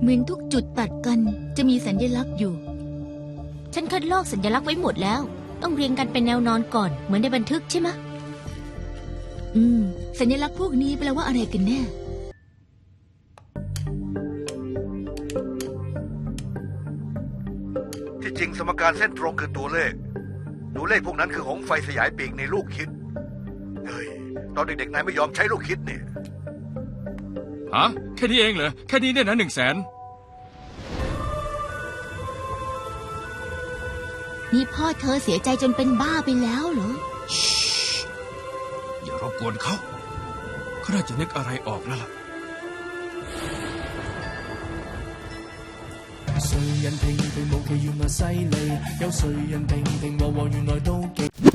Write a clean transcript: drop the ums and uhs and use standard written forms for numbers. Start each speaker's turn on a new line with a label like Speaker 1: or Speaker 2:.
Speaker 1: เหมือนทุกจุดตัดกันจะมีสัญลักษณ์อยู่ฉันคัดลอกสัญลักษณ์ไว้หมดแล้วต้องเรียงกันเป็นแนวนอนก่อนเหมือนในบันทึกใช่ไหมสัญลักษณ์พวกนี้แปลว่าอะไรกันแน่
Speaker 2: ที่จริงสมการเส้นตรงคือตัวเลขพวกนั้นคือหงส์ไฟสยายปีกในลูกคิดเฮ้ยตอนเด็กๆนายไม่ยอมใช้ลูกคิดนี่
Speaker 3: ฮะแค่นี้เองเหรอแค่นี้เนี่ยนะ100,000
Speaker 1: นี่พ่อเธอเสียใจจนเป็นบ้าไปแล้วเหรอ
Speaker 3: อย่ารบกวนเขาน่าจะนึกอะไรออกแล้วล่ะ
Speaker 4: 誰人平平無奇原來犀利，有誰人平平和和原來都極。